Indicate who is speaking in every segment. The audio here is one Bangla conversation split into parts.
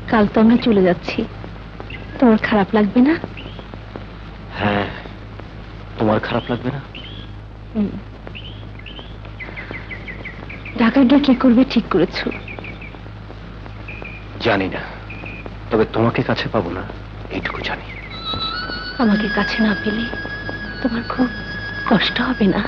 Speaker 1: কাল তো আমরা চলে যাচ্ছি, তোমার খারাপ লাগবে না?
Speaker 2: হ্যাঁ, তোমার খারাপ লাগবে না?
Speaker 1: ঢাকা গিয়ে কি করবে ঠিক করেছো?
Speaker 2: জানি না, তবে তোমাকে কাছে পাবো না এইটুকু জানি।
Speaker 1: আমাকে কাছে না পেলে তোমার খুব কষ্ট হবে না?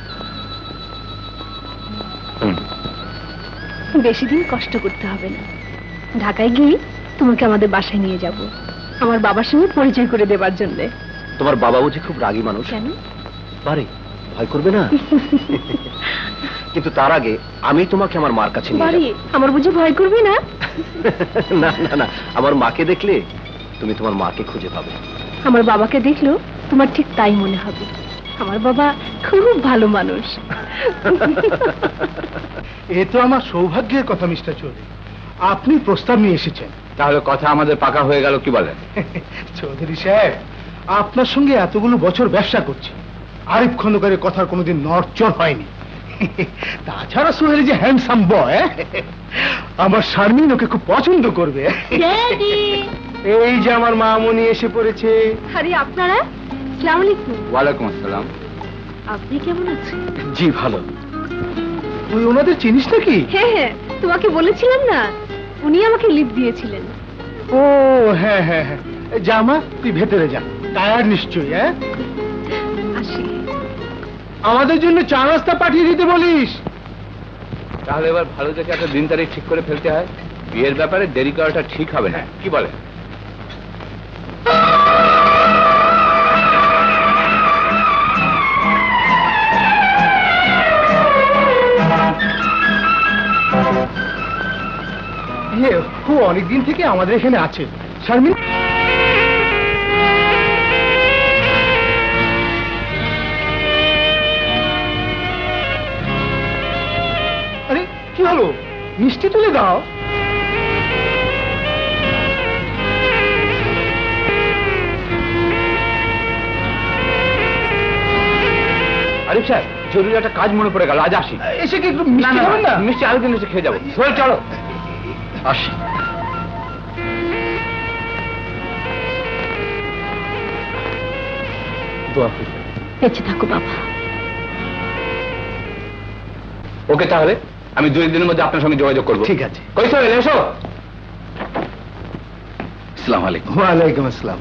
Speaker 1: বেশি দিন কষ্ট করতে হবে না। ঢাকায় গিয়ে তোমাকে আমাদের বাসায় নিয়ে যাব, আমার বাবার সঙ্গে পরিচয় করে দেবার জন্য।
Speaker 2: তোমার বাবা বুঝি খুব রাগী মানুষ?
Speaker 1: কেন?
Speaker 2: পারে, ভয় করবে না? কিন্তু তার আগে আমি তোমাকে আমার মার কাছে নিয়ে যাব।
Speaker 1: আমার বুঝি ভয় করবে না?
Speaker 2: না না না, আমার মাকে দেখলে তুমি তোমার মাকে খুঁজে পাবে।
Speaker 1: আমার বাবাকে দেখলো তোমার ঠিক তাই মনে হবে। আমার বাবা খুব ভালো মানুষ।
Speaker 3: এ তো আমার সৌভাগ্যের কথা মিস্টার চৌধুরী, আপনি প্রস্তাব নিয়ে এসেছেন।
Speaker 2: তাহলে কথা আমাদের পাকা হয়ে গেল, কি বলেন?
Speaker 3: চৌধুরী সাহেব, আপনার সঙ্গে এতগুলো বছর ব্যবসা করছি, আরিফ খন্দকারের কথার কোনোদিন নড়চড় হয়নি। তাছাড়া সোহেল যে হ্যান্ডসাম বয়, আমার শারমিন ওকে খুব পছন্দ করবে। এই যে আমার মামনি এসে পড়েছে।
Speaker 1: আরে আপনারা, আসসালামু আলাইকুম।
Speaker 2: ওয়ালাইকুম আসসালাম।
Speaker 1: আপনি কেমন আছেন?
Speaker 2: জি ভালো।
Speaker 3: তুই ওনাদের চিনিস নাকি?
Speaker 1: হ্যাঁ হ্যাঁ, তোমাকে বলেছিলাম না, উনি আমাকে লিফট দিয়েছিলেন।
Speaker 3: ও হ্যাঁ হ্যাঁ হ্যাঁ, জামা তুই ভেতরে যা, টায়ার নিশ্চয়ই। হ্যাঁ,
Speaker 1: আসি।
Speaker 3: আমাদের জন্য চা নাস্তা পাঠিয়ে দিতে বলিস।
Speaker 2: তাহলে এবার ভালো দেখে একটা দিন তারিখ ঠিক করে ফেলতে হয়, বিয়ের ব্যাপারে দেরি করাটা ঠিক হবে না, কি বলে?
Speaker 3: ও অনেকদিন থেকে আমাদের এখানে আছে। শারমিন, আরে কি হলো, মিষ্টি তুলে দাও।
Speaker 2: আরিফ সাহেব, জরুরি একটা কাজ মনে পড়ে গেল, আজ আসি।
Speaker 3: এসে কি একটু মিষ্টি খাবেন না?
Speaker 2: মিষ্টি আরেকদিন এসে খেয়ে যাবো। সোহেল চলো, আসি। দোয়া করি।
Speaker 1: বেঁচে থাকো বাবা।
Speaker 2: ওকে, তাহলে আমি 2 দিনের মধ্যে আপনার সঙ্গে যোগাযোগ করবো।
Speaker 3: ঠিক আছে।
Speaker 2: কই সোহেল, এসো। আসসালামু আলাইকুম।
Speaker 3: ওয়ালাইকুম আসসালাম।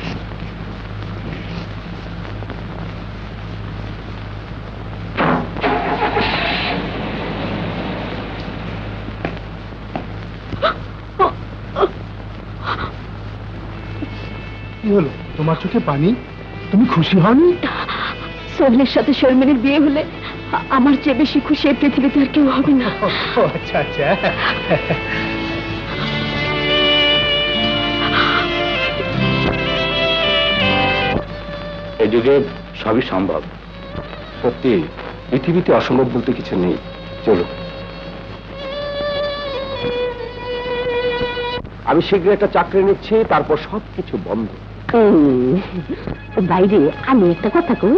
Speaker 3: কি হলো, তোমার চোখে পানি? তুমি খুশি হওনি?
Speaker 1: সোহেলের সাথে শারমিনের বিয়ে হলে আমার চেয়ে বেশি খুশি এই পৃথিবীতে আর কেউ হবে না।
Speaker 3: আচ্ছা আচ্ছা।
Speaker 2: এই যুগে সবই সম্ভব। সত্যি, পৃথিবীতে অসম্ভব বলতে কিছু নেই। চলো, আমি শীঘ্র একটা চাকরি নিচ্ছি, তারপর সবকিছু বন্ধ।
Speaker 1: বাইরে আমি একটা কথা কই,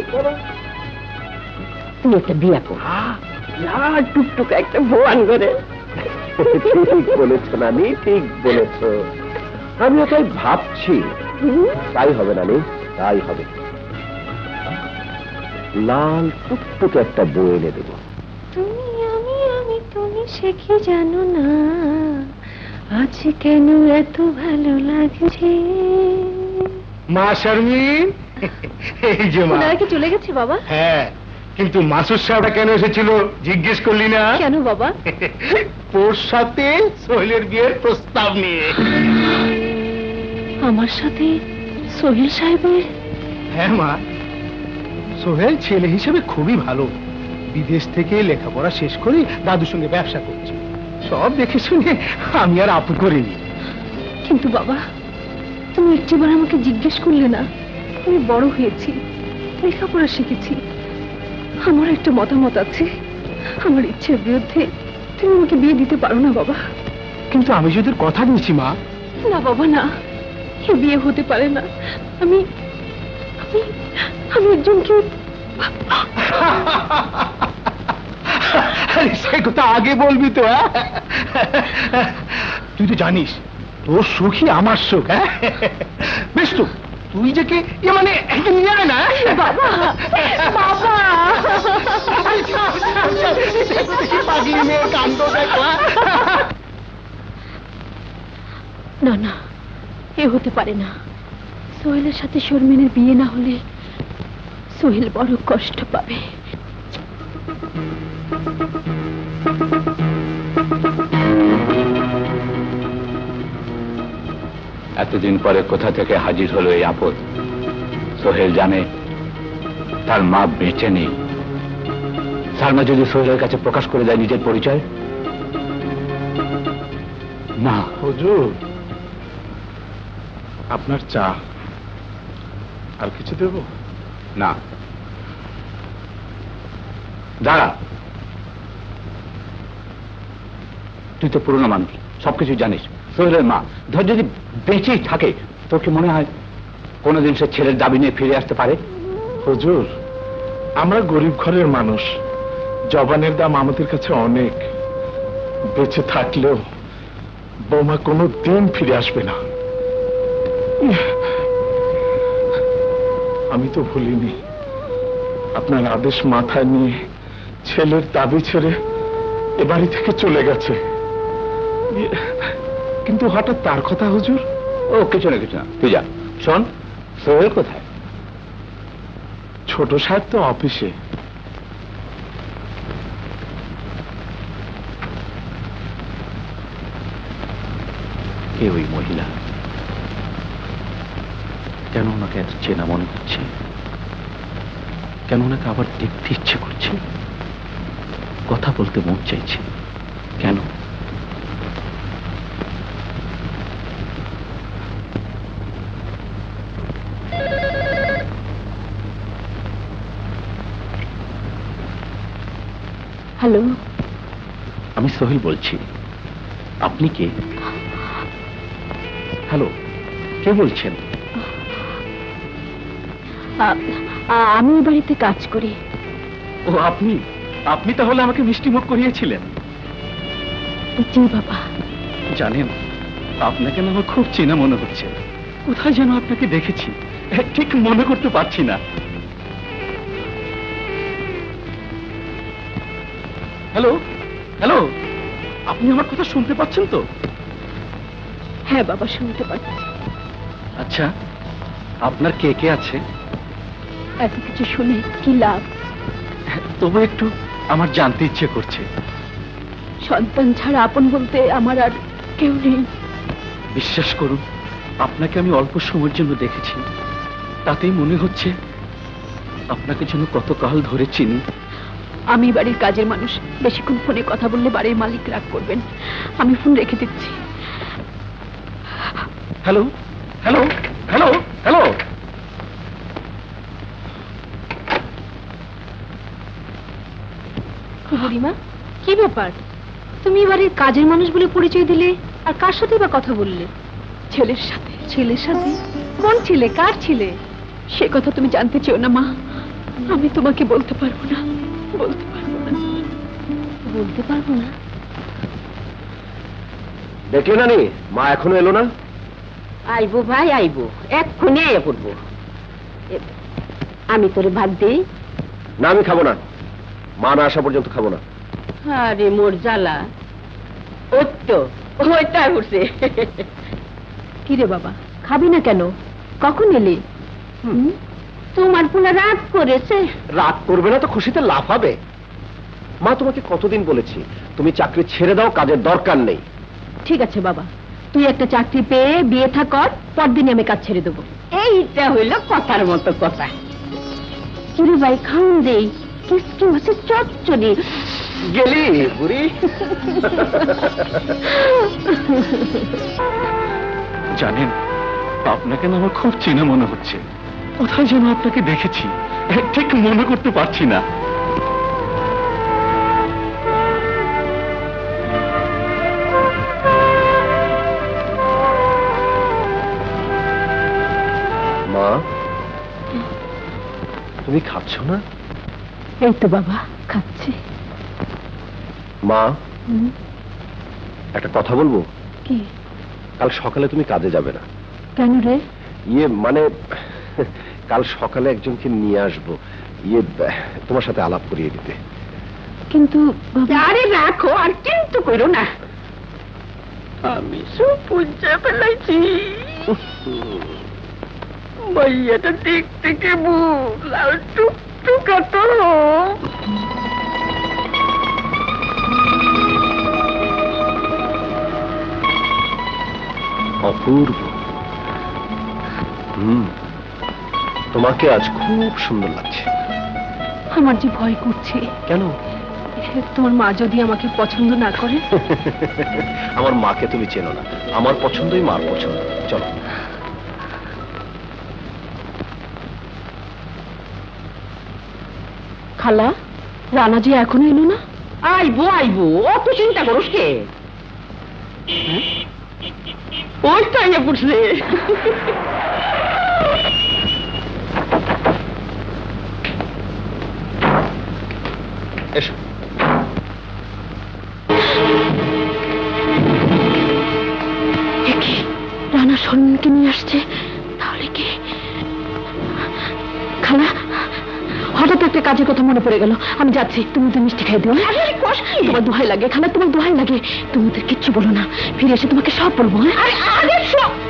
Speaker 1: তুমি একটা বিয়া কর, টুকটুক একটা ভোয়ান করে।
Speaker 2: ঠিক বলেছ নানি, ঠিক বলেছ। আমিও তাই ভাবছি। তাই হবে নানি, তাই হবে। লাল টুকটুক একটা বই এনে দেবো।
Speaker 1: তুমি আমি তুমি সে কি জানো না, আজ কেন এত ভালো লাগছে।
Speaker 3: মা শারমিন, এই যে মা।
Speaker 1: ওনারা কি চলে গেছে বাবা?
Speaker 3: হ্যাঁ, কিন্তু মাসুদ সাহেবরা কেন এসেছিল জিজ্ঞেস করলি না?
Speaker 1: কেন বাবা?
Speaker 3: তোর সাথে সোহেলের বিয়ের প্রস্তাব নিয়ে।
Speaker 1: আমার সাথে সোহেল সাহেবের?
Speaker 3: হ্যাঁ মা, সোহেল ছেলে হিসেবে খুবই ভালো, বিদেশ থেকে লেখাপড়া শেষ করে দাদুর সঙ্গে ব্যবসা করছে। সব দেখে শুনে আমি আর আপু করিনি।
Speaker 1: কিন্তু বাবা, তুমি একটিবার আমাকে জিজ্ঞেস করলে না। আমি বড় হয়েছি, লেখাপড়া শিখেছি, আমার একটা মতামত আছে। আমার ইচ্ছের বিরুদ্ধে তুমি আমাকে বিয়ে দিতে পারো না বাবা।
Speaker 3: কিন্তু আমি যদি কথা দিয়েছি মা।
Speaker 1: না বাবা না, এ বিয়ে হতে পারে না। আমি আমি আমি একজনকে।
Speaker 3: সে কথা আগে বলবি তো। তুই তো জানিস তোর সুখী আমার সুখ, হ্যাঁ? বেশ তো, তুই যে কে মানে একে নিয়ে আয় না।
Speaker 1: বাবা বাবা
Speaker 3: পাগলি মেয়ে কাণ্ড দেখলা।
Speaker 1: না না, এ হতে পারে না। সোহেলের সাথে শর্মিনের বিয়ে না হলে সোহেল বড় কষ্ট পাবে।
Speaker 4: এতদিন পরে কোথা থেকে হাজির হলো এই আপদ? সোহেল জানে তার মা বেঁচে নেই। সালমা যদি সোহেলের কাছে প্রকাশ করে দেয় নিজের পরিচয়, না।
Speaker 3: হুজুর, আপনার চা। আর কিছু দেব?
Speaker 4: না, দাঁড়া। তুই তো পুরনো মানুষ, সবকিছু জানিস। সোহেলের মা ধর যদি বেঁচেই থাকে, তোর কি মনে হয় কোনোদিন সে ছেলের দাবি নিয়ে ফিরে আসতে পারে?
Speaker 3: হুজুর, আমরা গরিব ঘরের মানুষ, জবানের দাম আমাদের কাছে অনেক। বেঁচে থাকলেও বৌমা কোনো দিন ফিরে আসবে না। আমি তো ভুলিনি, আপনার আদেশ মাথায় নিয়ে ছেলের দাবি ছেড়ে এ বাড়ি থেকে চলে গেছে। কিন্তু হঠাৎ তার কথা হুজুর?
Speaker 4: ও কিছু না, কিছু না, তুই যা। শোন, সোহেল কোথায়?
Speaker 3: ছোট সাহেব তো অফিসে।
Speaker 4: কে ওই মহিলা? কেন ওনাকে এত চেনা মনে হচ্ছে? কেন ওনাকে আবার দেখতে ইচ্ছে করছে? কথা বলতে মন চাইছে কেন?
Speaker 1: হ্যালো,
Speaker 4: আমি সোহেল বলছি। আপনি কে? হ্যালো, কে বলছেন?
Speaker 1: আমি এই বাড়িতে কাজ করি।
Speaker 4: ও আপনি? আপনি তাহলে আমাকে মিষ্টি মুখ করিয়েছিলেন?
Speaker 1: জি বাবা।
Speaker 4: জানেন, আপনাকে না আমার খুব চেনা মনে হচ্ছে। কোথায় যেন আপনাকে দেখেছি, ঠিক মনে করতে পারছি না। হ্যালো হ্যালো, আপনি আমার কথা শুনতে পাচ্ছেন তো?
Speaker 1: হ্যাঁ বাবা, শুনতে পাচ্ছি।
Speaker 4: আচ্ছা, আপনার কে কে আছে?
Speaker 1: এত কিছু শুনে কি লাভ?
Speaker 4: তবু একটু আমার জানতে ইচ্ছে করছে।
Speaker 1: সন্তান ছাড়া আপন বলতে আমার আর কেউ নেই।
Speaker 4: বিশ্বাস করুন, আপনাকে আমি অল্প সময়ের জন্য দেখেছি, তাতেই মনে হচ্ছে আপনাকে যেন কতকাল ধরে চিনি।
Speaker 1: আমি বাড়ির কাজের মানুষ, বেশিক্ষণ ফোনে কথা বললে বাড়ির মালিক রাগ করবেন। আমি ফোন রেখে দিচ্ছি।
Speaker 4: Hello hello hello hello.
Speaker 1: বুড়িমা, কি ব্যাপার? তুমি বাড়ির কাজের মানুষ বলে পরিচয় দিলে, আর কার সাথে বা কথা বললে? ছেলের সাথে। ছেলের সাথে? কোন ছেলে? কার ছেলে? সে কথা তুমি জানতে চেও না মা। আমি তোমাকে বলতে পারবো না, বলতে পারবো না, বলতে পারবো না।
Speaker 2: দেখলে নানি, মা এখনো এলো না?
Speaker 5: আইবো ভাই, আইবো, এক্ষুনি আইয়া পড়বো। আমি তোরে ভাত দিই?
Speaker 2: না, আমি খাবো না। মা না আসা পর্যন্ত খাবো না।
Speaker 5: আরে মোর জ্বালা, ওই তো ওইটাই উঠছে।
Speaker 1: কি রে বাবা, খাবি না কেন? কখন এলি?
Speaker 5: তোমার পুনা রাগ করেছে।
Speaker 2: রাগ করবে না তো খুশিতে লাফাবে। মা, তোমাকে কতদিন বলেছি তুমি চাকরি ছেড়ে দাও, কাজের দরকার নেই।
Speaker 1: ঠিক আছে বাবা, তুই একটা চাকরি পেয়ে বিয়ে থা কর, পরদিনই আমি কাজ ছেড়ে দেবো।
Speaker 5: এইটা হইল কথার মতো কথা। কিরে ভাই, খাউন দেই, কিসকি হচ্ছে চচ্চড়ি।
Speaker 2: গেলি বুড়ি।
Speaker 4: জানেন, আপনাকে না আমার খুব চেনা মনে হচ্ছে। কোথায় যেন আপনাকে দেখেছি, ঠিক মনে করতে পারছি না।
Speaker 2: মা, তুমি খাচ্ছ না?
Speaker 1: এই তো বাবা, খাচ্ছি।
Speaker 2: মা, একটা কথা বলবো।
Speaker 1: কি?
Speaker 2: কাল সকালে তুমি কাজে যাবে না।
Speaker 1: কেন রে?
Speaker 2: ইয়ে মানে কাল সকালে একজনকে নিয়ে আসবো, ইয়ে তোমার সাথে আলাপ করিয়ে দিতে।
Speaker 1: কিন্তু বাবা,
Speaker 5: আরে রাখো, আর কিন্তু করো না। আমি সব বুঝে ফেলাইছি। ভাইয়াটা দেখতে কেমন, লাল টুকটুকা তো।
Speaker 2: অপূর্ব। তোমাকে আজ খুব সুন্দর লাগছে।
Speaker 1: আমার যে ভয় করছে।
Speaker 2: কেন?
Speaker 1: তোমার মা যদি আমাকে পছন্দ না করে?
Speaker 2: আমার মাকে তুমি চেনো না, আমার পছন্দই মার পছন্দ। চলো।
Speaker 1: খালা, রানা যে এখনো এলো না?
Speaker 5: আইবো আইবো, অত চিন্তা করোস কে? ওই তো আইয়া পড়ছে।
Speaker 2: এসো।
Speaker 1: রানা সরণকে নিয়ে আসছে, তাহলে কি? খালা, হঠাৎ একটা কাজের কথা মনে পড়ে গেল, আমি যাচ্ছি, তুমি তো মিষ্টি খাই দিও। তোমার দোহাই লাগে খালা, তোমার দোহাই লাগে, তুমি ওদের কিচ্ছু বলো না, ফিরে এসে তোমাকে সব বলবো। হ্যাঁ?